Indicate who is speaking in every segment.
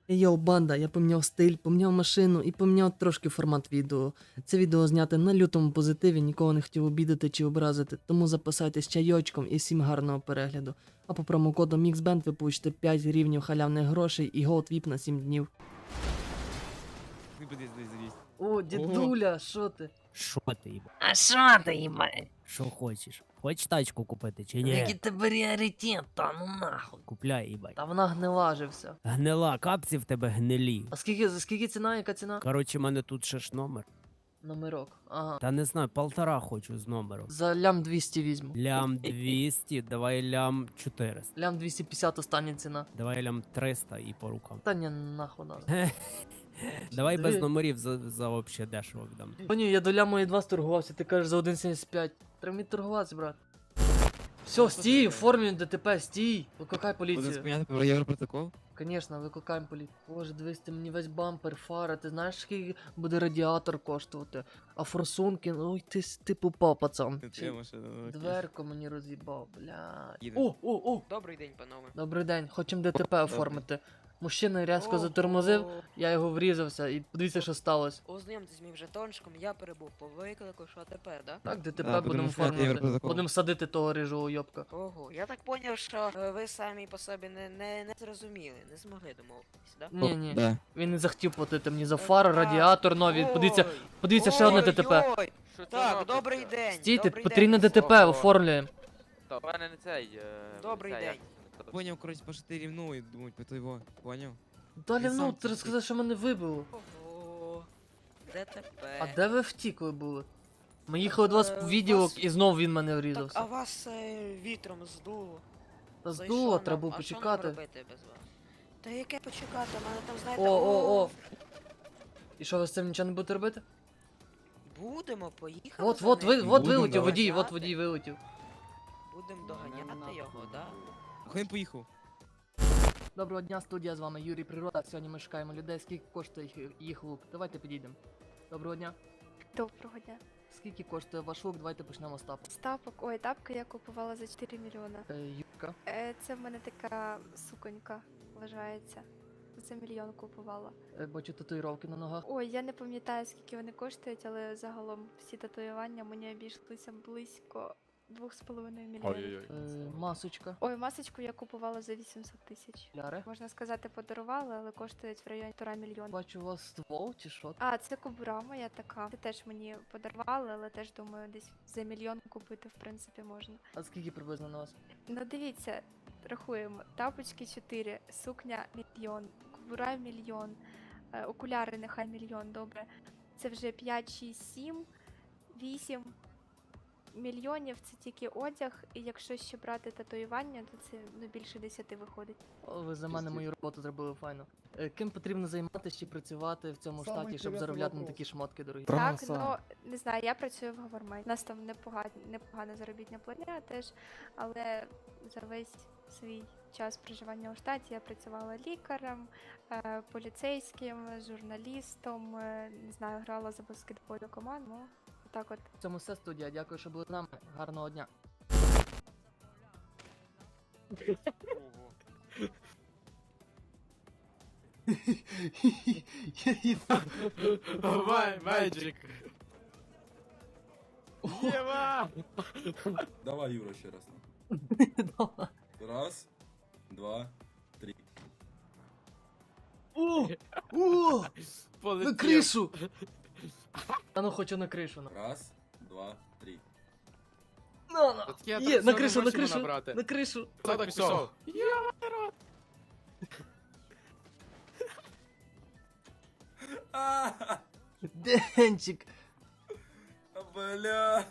Speaker 1: Йоу, банда, я поміняв стиль, поміняв машину і поміняв трошки формат відео. Це відео зняте на лютому позитиві, нікого не хотів обідати чи образити, тому записайтесь чайочком і всім гарного перегляду. А по промокоду MixBand ви получите 5 рівнів халявних грошей і Gold VIP на 7 днів. О, дідуля, що ти?
Speaker 2: Що ти, їба?
Speaker 1: А що ти, їбать?
Speaker 2: Що хочеш? Хочеш тачку купити чи
Speaker 1: Який
Speaker 2: ні?
Speaker 1: тебе пріоритет, та ну нахуй.
Speaker 2: Купляй, їбать.
Speaker 1: Та вона гнила же вся.
Speaker 2: Гнила, капці в тебе гнилі.
Speaker 1: А скільки ціна, яка ціна?
Speaker 2: Коротше, мене тут ще ж номер.
Speaker 1: Номерок, ага.
Speaker 2: Та не знаю, 1,5 хочу з номером.
Speaker 1: За лям 200 візьму.
Speaker 2: Лям 200, давай лям 400.
Speaker 1: Лям 250 остання ціна.
Speaker 2: Давай лям 300 і по рукам.
Speaker 1: Та ні, нахуй надо.
Speaker 2: Давай без
Speaker 1: Диви.
Speaker 2: номерів за вообще дешево віддам.
Speaker 1: Паню, я до ляму і 2 сторгувався, ти кажеш за 1,75. Треба мені торгуватися, брат. Все, стій, оформлюй ДТП, стій. Викликай
Speaker 3: Буде
Speaker 1: поліцію.
Speaker 3: спиняти про Європротокол?
Speaker 1: Конечно, викликаємо поліцію. Боже, дивись, ти мені весь бампер, фара, ти знаєш, скільки буде радіатор коштувати? А форсунки, ой, ти попав, пацан.
Speaker 3: Це машина.
Speaker 1: Дверку мені роз'їбав, блядь.
Speaker 3: Їде.
Speaker 1: О!
Speaker 4: Добрий день, панове.
Speaker 1: Добрий день, хочемо ДТП оформити. Мужчина різко затормозив, я його врізався і подивіться, що сталося.
Speaker 4: Ознайомтесь з моїм жетончиком, я перебув по виклику, що тепер, да?
Speaker 1: Так, ДТП
Speaker 3: Да,
Speaker 1: будемо
Speaker 3: будемо шукати
Speaker 1: оформити.
Speaker 3: Європротокол.
Speaker 1: Будемо садити того рижого йобка.
Speaker 4: Ого, я так поняв, що ви самі по собі не зрозуміли, не змогли домовитись, да?
Speaker 1: Ні.
Speaker 3: Да.
Speaker 1: Він не захотів платити мені за фар, радіатор нові.
Speaker 4: Ой,
Speaker 1: Подивіться, ще одне ДТП.
Speaker 4: ой-ой. Так, добрий день.
Speaker 1: Стійте,
Speaker 4: добрий
Speaker 1: потрібне
Speaker 4: день.
Speaker 1: ДТП, оформлюємо.
Speaker 5: Та в мене не цей.
Speaker 4: Добрий
Speaker 5: цей,
Speaker 4: день.
Speaker 5: як це?
Speaker 3: Поняв, коротше, пошити рівну і думають по твого. Поняв?
Speaker 1: Далі,
Speaker 3: Ти
Speaker 1: ну,
Speaker 3: сам
Speaker 1: ти
Speaker 3: це
Speaker 1: розказав, що мене вибило.
Speaker 4: Ого, ДТП.
Speaker 1: А де ви втікли були? Ми їхали до вас в відділок
Speaker 4: вас-
Speaker 1: і знов він мене
Speaker 4: Так, а
Speaker 1: врізався.
Speaker 4: вас вітром здуло.
Speaker 1: Та
Speaker 4: Зайшов
Speaker 1: здуло,
Speaker 4: нам.
Speaker 1: треба було
Speaker 4: А що нам
Speaker 1: почекати.
Speaker 4: робити без вас? Та яке почекати? У мене там, знаєте,
Speaker 1: О. І що ви з цим нічого не будете робити?
Speaker 4: Будемо, поїхали.
Speaker 1: От
Speaker 4: за ним.
Speaker 1: вилетів
Speaker 3: Будемо,
Speaker 1: водій,
Speaker 4: давай.
Speaker 1: от водій вилетів.
Speaker 4: Будемо доганяти його, да?
Speaker 3: А він поїхав.
Speaker 1: Доброго дня, студія, з вами Юрій Природа. Сьогодні ми шукаємо людей, скільки коштує їх лук. Давайте підійдемо. Доброго дня.
Speaker 6: Доброго дня.
Speaker 1: Скільки коштує ваш лук? Давайте почнемо з тапу.
Speaker 6: Стапок, ой, тапки я купувала за 4 мільйона.
Speaker 1: Юрка.
Speaker 6: Це в мене така суконька вважається. За мільйон купувала.
Speaker 1: Бачу татуїровки на ногах.
Speaker 6: Ой, я не пам'ятаю, скільки вони коштують, але загалом всі татуювання мені обійшлися близько 2,5 мільйонів.
Speaker 1: Масочка.
Speaker 6: Ой, масочку я купувала за 800 тисяч.
Speaker 1: Ляри.
Speaker 6: Можна сказати, подарувала, але коштують в районі 1,5 мільйона.
Speaker 1: Бачу у вас ствол чи що?
Speaker 6: А, це кобура моя така. Це теж мені подарували, але теж думаю, десь за мільйон купити, в принципі, можна.
Speaker 1: А скільки приблизно на вас?
Speaker 6: Ну дивіться, рахуємо. Тапочки 4, сукня мільйон, кобура мільйон, окуляри нехай мільйон, добре. Це вже 5, 6, 7, 8 мільйонів, це тільки одяг, і якщо ще брати татуювання, то це ну, більше 10 виходить.
Speaker 1: О, ви за мене мою роботу зробили файно. Ким потрібно займатися чи працювати в цьому штаті, щоб заробляти на такі шмотки дорогі?
Speaker 6: Так, ну не знаю, я працюю в Гавормай. У нас там непогана заробітна платня теж, але за весь свій час проживання у штаті я працювала лікарем, поліцейським, журналістом, не знаю, грала за баскетбольну команду. Ну, так от.
Speaker 1: В цьому все, студія. Дякую, що були з нами. Гарного дня.
Speaker 5: Magic. Єва!
Speaker 7: Давай, Юра, ще раз. Раз, два, три.
Speaker 1: На кришу! А ну хочу на кришу.
Speaker 7: Раз, два, три.
Speaker 1: Є, на кришу, на кришу, на кришу.
Speaker 5: Так пішов.
Speaker 7: А,
Speaker 1: Денчик.
Speaker 7: бля.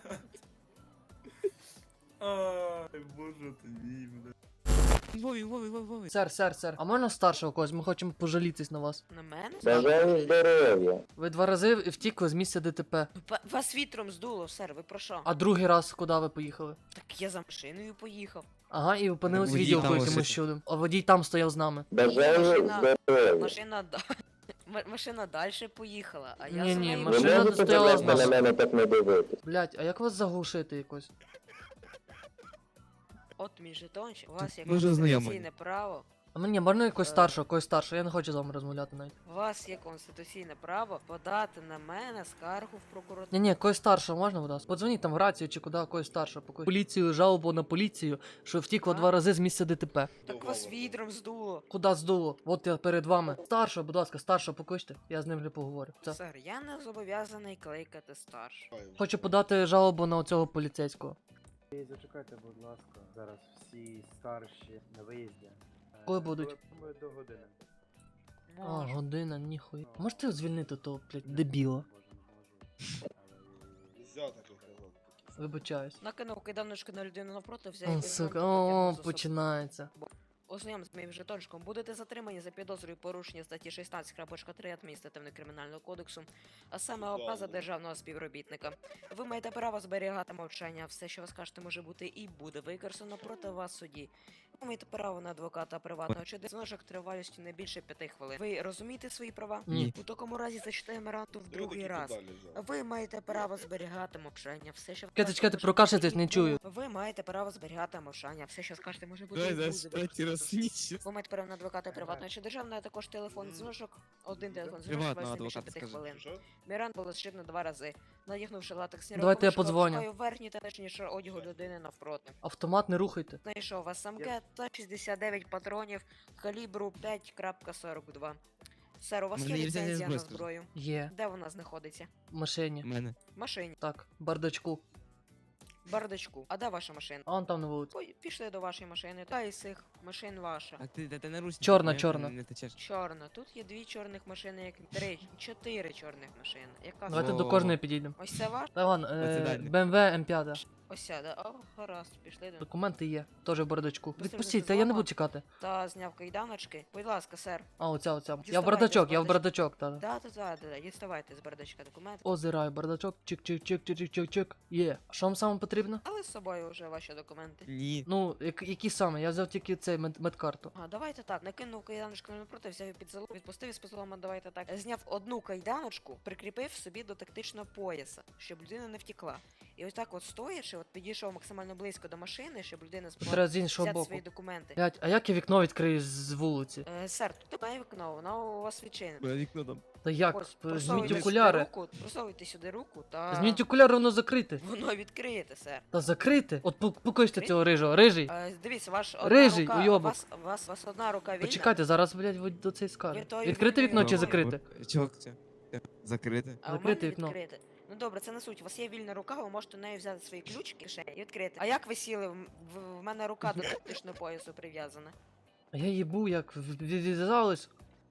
Speaker 7: Ай, боже ти мій, бля.
Speaker 3: Вові.
Speaker 1: Сер, а можна старшого когось? Ми хочемо пожалітись на вас.
Speaker 4: На мене?
Speaker 8: Бажаю здоров'я.
Speaker 1: Ви 2 рази втікли з місця ДТП.
Speaker 4: Вас вітром здуло, сер, ви про що?
Speaker 1: А другий раз куди ви поїхали?
Speaker 4: Так я за машиною поїхав.
Speaker 1: Ага, і опинились в
Speaker 3: Водій
Speaker 1: відділку
Speaker 3: там
Speaker 1: якимось
Speaker 3: лишився.
Speaker 1: чудом. А водій там стояв з нами.
Speaker 8: Бажаю
Speaker 4: Машина-
Speaker 8: здоров'я.
Speaker 4: Машина далі поїхала, а я
Speaker 1: Ні,
Speaker 4: за
Speaker 1: ні,
Speaker 4: нею.
Speaker 8: Ви
Speaker 1: машина
Speaker 8: можете,
Speaker 1: стояла
Speaker 8: будь
Speaker 1: з
Speaker 8: ласка, на
Speaker 1: нами.
Speaker 8: мене так не дивитись?
Speaker 1: Блять, а як вас заглушити якось?
Speaker 4: От мій жетончик, у вас є
Speaker 3: Ми вже знайомі.
Speaker 4: конституційне право
Speaker 1: А мені можна якось старшого, я не хочу з вами розмовляти навіть.
Speaker 4: У вас є конституційне право подати на мене скаргу в прокуратуру.
Speaker 1: Ні, когось старшого можна, будь ласка? Подзвоніть там в рацію чи куди, когось старшого. Поліцію, жалобу на поліцію, що втікла
Speaker 4: А?
Speaker 1: 2 рази з місця ДТП.
Speaker 4: Так вас відром здуло.
Speaker 1: Куди здуло? От я перед вами. Старшого, будь ласка, старшого покличте, я з ним вже поговорю. Це.
Speaker 4: Сер, я не зобов'язаний кликати старш.
Speaker 1: Хочу подати жалобу на оцього поліцейського.
Speaker 9: Зачекайте, будь ласка, зараз всі старші на виїзді.
Speaker 1: Коли будуть?
Speaker 9: Думаю, до години.
Speaker 1: А, година, ніхуя. Можете звільнити того, блядь, дебіла? Вибачаюсь.
Speaker 4: Накинув киданочку на людину навпроти, взяв
Speaker 1: О,
Speaker 4: і
Speaker 1: сука,
Speaker 4: потягнув за собою.
Speaker 1: починається.
Speaker 4: Ознайом з моїм жетончиком. Будете затримані за підозрою порушення статті 16.3 адміністративного кримінального кодексу, а саме образа державного співробітника. Ви маєте право зберігати мовчання. Все, що ви скажете, може бути і буде використано проти вас в суді. Ви маєте право на адвоката приватного чи дзвіночок тривалістю не більше 5 хвилин. Ви розумієте свої права?
Speaker 1: Ні.
Speaker 4: У такому разі зачитаємо ранду в другий раз. Ви маєте право зберігати мовчання. Все, що ви
Speaker 1: Чекайте,
Speaker 4: скажете,
Speaker 1: чекайте,
Speaker 4: може
Speaker 1: прокашляйтесь,
Speaker 4: бути
Speaker 1: не
Speaker 4: і
Speaker 1: чую.
Speaker 4: буде. Ви маєте право зберігати мовчання. Все, що скажете, може бути і
Speaker 3: Давай
Speaker 4: буде
Speaker 3: зараз
Speaker 4: використано.
Speaker 3: третій раз сміщу.
Speaker 4: Ви маєте право на адвоката приватного чи державного, а також телефон дзвіночок, один телефон дзвіночок,
Speaker 3: Приватного
Speaker 4: вас не більше
Speaker 3: адвоката
Speaker 4: 5
Speaker 3: скажи.
Speaker 4: хвилин. Міран було зшибно 2 рази. Надягнувши латексні
Speaker 1: Давайте я
Speaker 4: рукавички,
Speaker 1: подзвоню.
Speaker 4: обшукаю верхній та нижній шар одягу людини навпроти.
Speaker 1: Автомат не рухайте.
Speaker 4: Знайшов вас СМГ та 69 патронів калібру 5.42. Сер, у вас є
Speaker 3: Мене є
Speaker 4: ліцензія на
Speaker 3: зброю,
Speaker 4: зброю?
Speaker 1: Є.
Speaker 4: Де вона знаходиться?
Speaker 1: В машині.
Speaker 3: У мене.
Speaker 4: В машині.
Speaker 1: Так, бардачку.
Speaker 4: В бардачку. А де ваша машина?
Speaker 1: А он там на вулиці.
Speaker 4: Ой, пішли до вашої машини. Та із цих машин ваша.
Speaker 3: А ти на русі.
Speaker 1: Чорна, чорна.
Speaker 3: Не течеш.
Speaker 4: Чорна. Тут є 2 чорних машини, як 3, 4 чорних машини. Яка
Speaker 1: Давайте
Speaker 3: Во.
Speaker 1: до кожної підійдемо.
Speaker 4: Ось це ваш?
Speaker 1: Та ладно,
Speaker 3: Оце дальня.
Speaker 1: BMW M5.
Speaker 4: Ось ця, да? О, гаразд, пішли до.
Speaker 1: Документи є, теж в бардачку.
Speaker 4: Ви
Speaker 1: Відпустіть,
Speaker 4: це
Speaker 1: та я не
Speaker 4: зламали?
Speaker 1: буду чекати.
Speaker 4: Та зняв кайданочки. Будь ласка, сер.
Speaker 1: А, оця. Я в
Speaker 4: Діставайте
Speaker 1: бардачок,
Speaker 4: з
Speaker 1: я в бардачок, та.
Speaker 4: Да. Діставайте з бардачка документи.
Speaker 1: Озираю, бардачок, чик-чик-чик-чик-чик-чик. Є. А що вам саме потрібно?
Speaker 4: Але з собою вже ваші документи.
Speaker 3: Ні.
Speaker 1: Ну, які саме? Я взяв тільки цей медкарту.
Speaker 4: А, давайте так, накинув кайданочку напроти, взяв її під залу, відпустив із позолома, давайте так. Зняв одну кайданочку, прикріпив собі до тактичного пояса, щоб людина не втекла. І ось так от стоячи, от підійшов максимально близько до машини, щоб людина змогла
Speaker 1: Треба з іншого
Speaker 4: взяти
Speaker 1: боку.
Speaker 4: свої документи.
Speaker 1: Блять, а як я вікно відкрию з вулиці?
Speaker 4: Сер, тут немає вікно, воно у вас відчинене.
Speaker 3: Бо вікно там.
Speaker 1: Та як?
Speaker 4: Ось,
Speaker 1: Зміть
Speaker 4: просовуйте сюди
Speaker 1: окуляри.
Speaker 4: руку, просовуйте сюди руку та...
Speaker 1: Зміть окуляри, воно закрите.
Speaker 4: Воно відкриєте, сер.
Speaker 1: Та закрите. От покличте цього рижого. Рижий.
Speaker 4: Дивіться, ваш одна
Speaker 1: Рижий,
Speaker 4: рука,
Speaker 1: уйобок.
Speaker 4: вас одна рука вільна.
Speaker 1: Почекайте, зараз, блять, ви до цей скаже.
Speaker 4: Ви той
Speaker 1: Відкрите
Speaker 4: вільний
Speaker 1: вікно чи
Speaker 4: рукою.
Speaker 1: закрите?
Speaker 3: Чого це? Закрите.
Speaker 4: А у
Speaker 1: Закрите
Speaker 4: мене
Speaker 1: вікно.
Speaker 4: відкрите. Ну добре, це не суть. У вас є вільна рука, ви можете нею взяти свої ключики і відкрити. А як ви сіли? В мене рука до тактичного поясу прив'язана.
Speaker 1: А я їбу, як відв'язалось.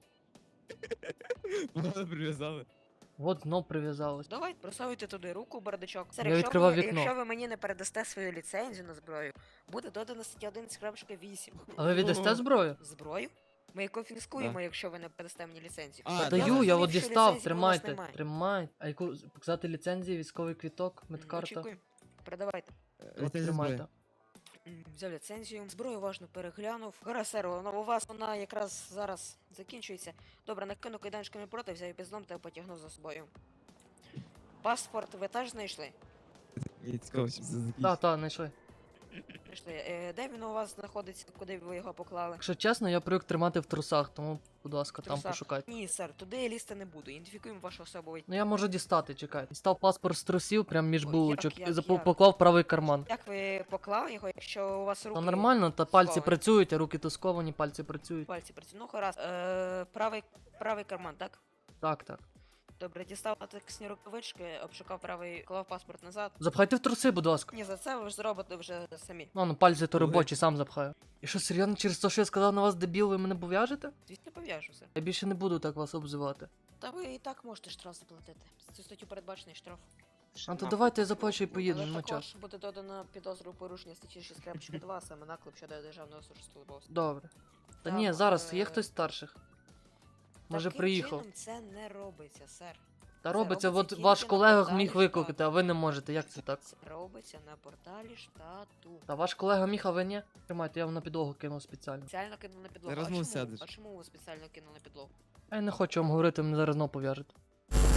Speaker 3: Воно прив'язали.
Speaker 1: От дно прив'язалось.
Speaker 4: Давай, просовуйте туди руку, бардачок. Сер,
Speaker 1: Я відкривав
Speaker 4: ви,
Speaker 1: вікно.
Speaker 4: якщо ви мені не передасте свою ліцензію на зброю, буде додано стаття 11.8.
Speaker 1: А ви віддасте зброю?
Speaker 4: Зброю? Ми її конфіскуємо, якщо ви не передасте мені ліцензію.
Speaker 3: А,
Speaker 4: Я
Speaker 1: Даю, я
Speaker 4: зрозумів,
Speaker 1: от
Speaker 4: що
Speaker 1: дістав,
Speaker 4: ліцензії у вас
Speaker 1: тримайте.
Speaker 4: немає.
Speaker 1: Тримай. А яку показати ліцензії, військовий квіток, медкарта?
Speaker 4: Очікуємо. Передавайте.
Speaker 1: От тримайте.
Speaker 4: Взяв ліцензію, зброю уважно переглянув. Гаразд, сер, у вас вона якраз зараз закінчується. Добре, накинув кайданчиками проти, взяв підзлом та потягнув за собою. Паспорт ви теж знайшли?
Speaker 3: Мені цікаво, що це за
Speaker 1: Та, знайшли.
Speaker 4: Знайшли. Де він у вас знаходиться, куди ви його поклали?
Speaker 1: Якщо чесно, я привик тримати в трусах, тому, будь ласка, там
Speaker 4: Трусах.
Speaker 1: пошукайте.
Speaker 4: Ні, сер, туди я лізти не буду. Ідентифікуємо вашу особу.
Speaker 1: Ну я можу дістати, чекайте. Дістав паспорт з трусів, прям між
Speaker 4: Ой,
Speaker 1: булочок,
Speaker 4: як,
Speaker 1: і
Speaker 4: як?
Speaker 1: поклав в правий карман.
Speaker 4: Як ви поклали його, якщо у вас руки...
Speaker 1: Та нормально, та пальці
Speaker 4: сковані?
Speaker 1: працюють, а руки то сковані, пальці працюють.
Speaker 4: Пальці працюють. Ну, гаразд. Правий карман, так?
Speaker 1: Так.
Speaker 4: Добре, дістав латексні рукавички, обшукав правий, клав паспорт назад.
Speaker 1: Запхайте в труси, будь ласка.
Speaker 4: Ні, за це ви ж зробите вже самі.
Speaker 1: Ну, пальці то
Speaker 3: Добре.
Speaker 1: робочі, сам запхаю. І що, серйозно, через те, що я сказав на вас дебіл, ви мене пов'яжете?
Speaker 4: Звісно, пов'яжуся.
Speaker 1: Я більше не буду так вас обзивати.
Speaker 4: Та ви і так можете штраф заплатити. За цю статтю передбачений штраф.
Speaker 1: А то давайте я заплачу і поїду,
Speaker 4: Але
Speaker 1: нема
Speaker 4: також
Speaker 1: часу.
Speaker 4: буде додано підозру у порушення статті 6.2, саме наклеп щодо державного службовства.
Speaker 1: Добре. Та
Speaker 4: Так,
Speaker 1: ні, зараз є хтось старших. Може
Speaker 4: Таким
Speaker 1: приїхав.
Speaker 4: чином це не робиться, сер.
Speaker 1: Та
Speaker 4: це
Speaker 1: робиться,
Speaker 4: робиться
Speaker 1: от
Speaker 4: тільки
Speaker 1: ваш
Speaker 4: на
Speaker 1: колега
Speaker 4: порталі
Speaker 1: міг
Speaker 4: штату.
Speaker 1: викликати, а ви не можете. Як це так?
Speaker 4: Це робиться на порталі штату.
Speaker 1: Та ваш колега міг, а ви ні? Тримайте, я вам на підлогу кинув спеціально.
Speaker 4: Спеціально кинули на підлогу.
Speaker 3: Зараз
Speaker 4: а,
Speaker 3: ну
Speaker 4: чому?
Speaker 3: сядеш.
Speaker 4: А чому ви спеціально кинули на підлогу?
Speaker 1: Я не хочу вам говорити, мене зараз знову пов'яжете. І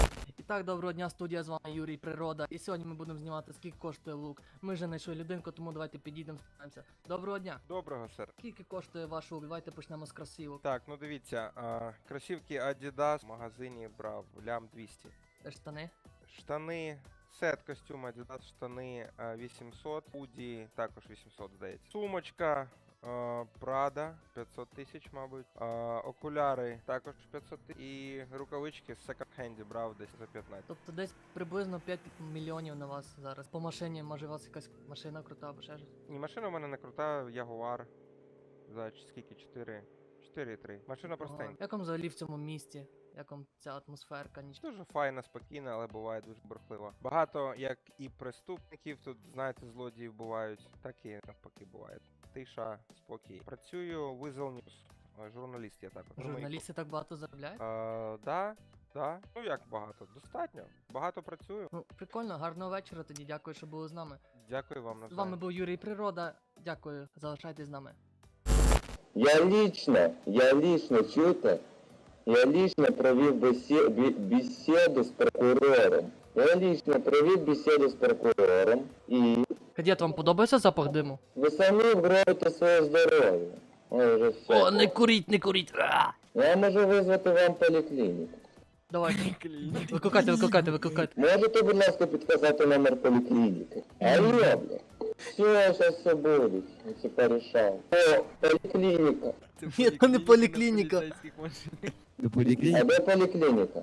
Speaker 1: так, доброго дня, студія, з вами Юрій Природа. І сьогодні ми будемо знімати, скільки коштує лук. Ми вже знайшли людинку, тому давайте підійдемо, спитаємося. Доброго дня.
Speaker 10: Доброго, сер.
Speaker 1: Скільки коштує ваш лук? Давайте почнемо з красивок.
Speaker 10: Так, ну дивіться, кросівки Adidas в магазині брав лям 200.
Speaker 1: Штани.
Speaker 10: Штани, сет костюм Adidas, штани 800, худі також 800, здається. Сумочка Prada 500 тисяч, мабуть. Окуляри також 500 тисяч. І рукавички з секонд-хенді брав десь за 15.
Speaker 1: Тобто десь приблизно 5 мільйонів на вас зараз. По машині, може у вас якась машина крута або ще щось?
Speaker 10: Ні, машина у мене не крута, Jaguar. За скільки? 4,3. Машина простенька.
Speaker 1: Як вам взагалі в цьому місті? Як вам ця атмосферка?
Speaker 10: Дуже файна, спокійна, але буває дуже бурхлива. Багато як і преступників тут, знаєте, злодіїв бувають, так і навпаки буває. Тиша, спокій. Працюю в Weasel News. Журналіст я також.
Speaker 1: Журналісти так багато заробляють?
Speaker 10: Да. Ну як багато? Достатньо. Багато працюю.
Speaker 1: Ну, прикольно, гарного вечора тоді, дякую, що були з нами.
Speaker 10: Дякую вам
Speaker 1: З
Speaker 10: навзаєм.
Speaker 1: вами був Юрій Природа, дякую, залишайтесь з нами.
Speaker 8: Я лично, чуєте? Я лично провів бесіду з прокурором. Я лично провів бесіду з прокурором і
Speaker 1: Кадет, вам подобається запах диму?
Speaker 8: ви самі вграєте своє здоров'я. Ой, вже все.
Speaker 1: О, не куріть, не куріть!
Speaker 8: Я можу визвати вам поліклініку.
Speaker 1: Давайте. Викликайте.
Speaker 8: Можете, будь ласка, підказати номер поліклініки? Алло, бля. Все, зараз все буде. Я все порішав. О, поліклініка.
Speaker 1: Ні, то не поліклініка.
Speaker 3: До
Speaker 8: А
Speaker 3: поліклініки.
Speaker 8: де поліклініка?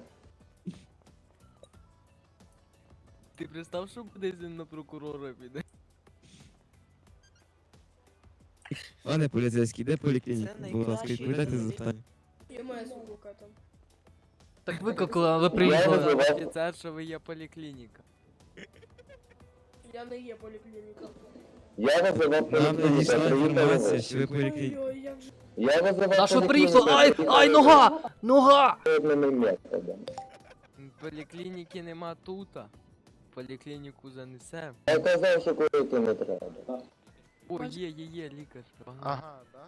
Speaker 3: Ти представ, що буде він на прокурора піде? Пане поліцейський, де поліклініка? Будь ласка, відповідайте за запитання.
Speaker 11: Я маю звука там.
Speaker 1: Так викликали, а ви
Speaker 8: Я
Speaker 1: приїхали.
Speaker 8: визивав.
Speaker 3: Офіцер, що ви є поліклініка.
Speaker 11: Я не є поліклініка.
Speaker 8: Я визивав
Speaker 3: Нам
Speaker 8: поліклініку.
Speaker 3: надійшла
Speaker 8: Приїхали
Speaker 3: інформація,
Speaker 8: ви.
Speaker 3: що ви поліклініка.
Speaker 11: Ой-ой, як же.
Speaker 8: Я визивав
Speaker 1: На що
Speaker 8: поліклініку.
Speaker 1: приїхали? Ай, нога! Нога!
Speaker 8: Одними методами.
Speaker 3: Поліклініки нема тута. Поліклініку занесем.
Speaker 8: Я казав, що курити не треба.
Speaker 3: О, є, лікар.
Speaker 10: Ага, да?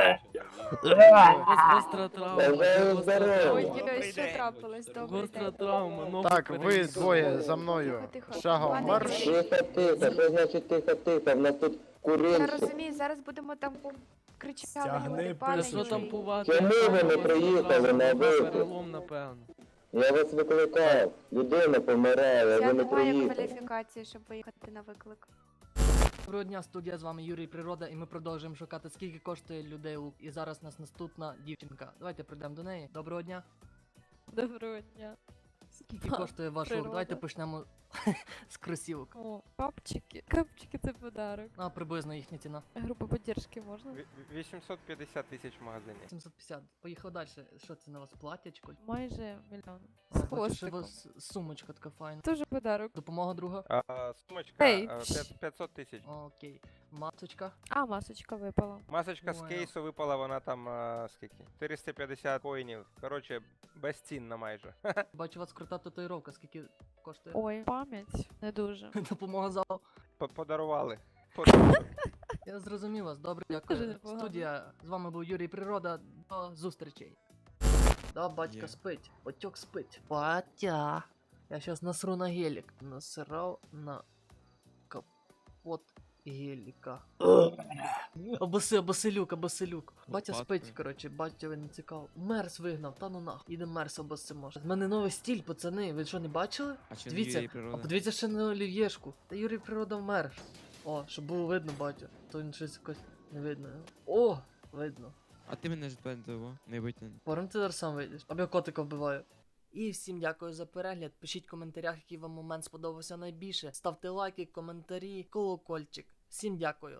Speaker 3: Гостра травма.
Speaker 8: Бажаю
Speaker 3: гостра
Speaker 8: здоров'я.
Speaker 3: травма.
Speaker 6: Ой, що трапилось? Добрий
Speaker 3: Гостра
Speaker 6: день.
Speaker 3: травма, ногу
Speaker 10: Так, ви
Speaker 3: перерізали.
Speaker 10: двоє за мною.
Speaker 6: Тихо.
Speaker 10: Шагом
Speaker 6: Пане
Speaker 10: марш.
Speaker 6: Юрій,
Speaker 8: Тихо. Що значить тихо? В нас тут
Speaker 6: Я
Speaker 8: курильщик.
Speaker 6: розумію, зараз будемо там кричати.
Speaker 9: Стягни
Speaker 6: люди, пане
Speaker 3: Що там
Speaker 6: Юрій.
Speaker 3: пувати?
Speaker 8: Чому ви не
Speaker 3: Гостра
Speaker 8: приїхали
Speaker 3: травма,
Speaker 8: на
Speaker 3: нога
Speaker 8: виклик?
Speaker 3: перелом, напевно.
Speaker 8: Я вас викликав. Людина помирає, а
Speaker 6: Я
Speaker 8: ви не
Speaker 6: не маю
Speaker 8: приїхали.
Speaker 6: кваліфікації, щоб виїхати на виклик.
Speaker 1: Доброго дня, студія, з вами Юрій Природа, і ми продовжуємо шукати, скільки коштує людей лук. І зараз у нас наступна дівчинка. Давайте прийдемо до неї. Доброго дня.
Speaker 11: Доброго дня.
Speaker 1: Скільки коштує ваш лук?
Speaker 11: Природа.
Speaker 1: Давайте почнемо з кросівок.
Speaker 11: О, капчики. Капчики це подарок.
Speaker 1: А приблизно їхня ціна.
Speaker 11: Група поддержки можна?
Speaker 10: 850 тисяч в магазині.
Speaker 1: 750. Поїхали далі. Що це на вас? Платячко?
Speaker 11: Майже мільйон.
Speaker 1: А,
Speaker 11: З
Speaker 1: бачу, що у
Speaker 11: хвостиком.
Speaker 1: вас сумочка така файна.
Speaker 11: Дуже подарок.
Speaker 1: Допомога друга?
Speaker 10: Сумочка
Speaker 11: Ей.
Speaker 10: 500 тисяч.
Speaker 1: Окей. Масочка.
Speaker 11: А, масочка випала.
Speaker 10: Масочка з
Speaker 1: Понял.
Speaker 10: кейсу випала, вона там скільки? 450 коїнів. Коротше, безцінна майже.
Speaker 1: Бачу, у вас крута татуїровка. Скільки коштує?
Speaker 11: Ой, пам'ять. Не дуже.
Speaker 1: Допомога залу.
Speaker 10: Подарували.
Speaker 1: Я зрозумів вас. Добре,
Speaker 11: Дуже
Speaker 1: дякую.
Speaker 11: непогано.
Speaker 1: Студія. З вами був Юрій Природа. До зустрічей. Да, батька
Speaker 3: Є.
Speaker 1: спить. Батьок спить. Батя. Я щас насру на гелік. Насрав на капот геліка. Абоселюк. Батя
Speaker 3: Лопаткою.
Speaker 1: спить, коротше, батя не цікаво. Мерс вигнав, та ну нахуй. Іде мерс обосимо. В мене новий стіль, пацани. Ви що, не бачили?
Speaker 3: А чи
Speaker 1: Дивіться,
Speaker 3: Юрій Природа?
Speaker 1: А подивіться ще на олів'єшку. Та Юрій Природа вмер. О, щоб було видно, батю. То він щось якось не видно. О, видно.
Speaker 3: А ти мене ж пентово, не витягни.
Speaker 1: Пором ти зараз сам вийдеш. Або я котика вбиваю. І всім дякую за перегляд. Пишіть в коментарях, який вам момент сподобався найбільше. Ставте лайки, коментарі, колокольчик. Всім дякую.